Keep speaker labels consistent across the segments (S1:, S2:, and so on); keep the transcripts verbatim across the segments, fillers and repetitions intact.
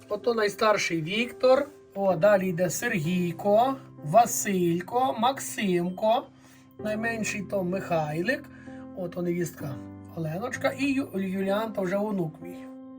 S1: Ото найстарший Віктор. О, далі йде Сергійко, Василько, Максимко. Найменший то Михайлик. От о, невістка Оленочка. І Ю... Юліан, то вже онук мій.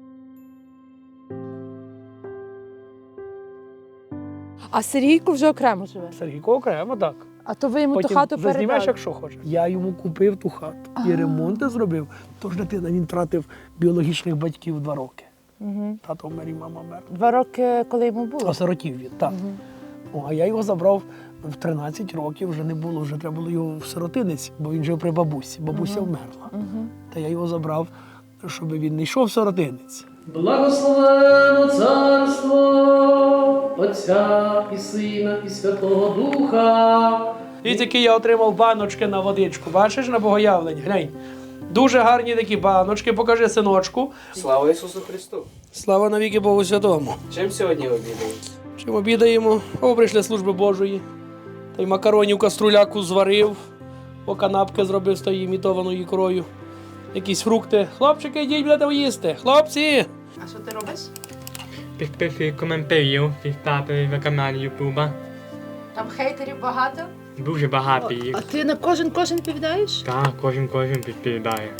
S2: А Сергійко вже окремо живе?
S1: Сергійко окремо, так.
S2: А то ви йому ту
S1: Потім
S2: хату
S1: зазнімеш,
S2: передали?
S1: якщо хочеш. Я йому купив ту хату. І ремонти зробив. Тож дитина, він втратив біологічних батьків два роки.
S2: Угу.
S1: Тато вмер і мама вмер.
S2: Два роки, коли йому було?
S1: Осиротів він, так.
S2: Угу.
S1: О, а я його забрав в тринадцять років, вже не було, вже треба було його в сиротинець, бо він жив при бабусі. Бабуся
S2: Угу.
S1: вмерла.
S2: Угу.
S1: Та я його забрав, щоб він не йшов в сиротинець. Благословено царство Отця і Сина і Святого Духа. І такі я отримав баночки на водичку. Бачиш, на богоявлення? Глянь. Дуже гарні такі баночки. Покажи, синочку.
S3: Слава Ісусу Христу!
S1: Слава навіки Богу Святому.
S3: Чим сьогодні обідаємо?
S1: Чим обідаємо? О, прийшли служби Божої. Та й макаронів каструляку зварив, о, канапки зробив з тої імітованою ікрою. Якісь фрукти. Хлопчики, йдіть, будете їсти. Хлопці!
S2: А що ти робиш?
S4: Підписую коментарів, підставити на каналі Ютуба.
S2: Там хейтерів багато?
S4: Дуже багато їх.
S2: А ти на кожен кожен відповідаєш?
S4: Так, кожен кожен відповідає.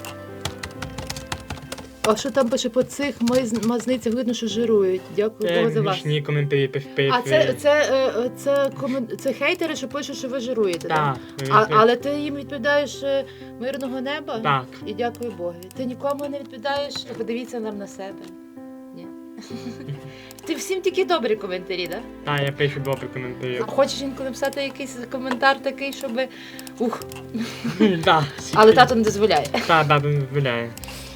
S2: А що там пише по цих маз- мазницях видно, що жирують. Дякую Богу
S4: Це
S2: за вас.
S4: смішні коментарі підписую.
S2: А це, це, е, це, комен- це хейтери, що пишуть, що ви жируєте, так?
S4: Так.
S2: А, але ти їм відповідаєш е, мирного неба?
S4: Так.
S2: І дякую Богу. Ти нікому не відповідаєш, подивіться нам на себе. Ні. Ти всім тільки добрі коментарі, так?
S4: Так, я пишу добрі коментарі.
S2: А хочеш інколи написати якийсь коментар такий, щоб. Ух.
S4: Так.
S2: Але тато не дозволяє.
S4: Так, тато не дозволяє.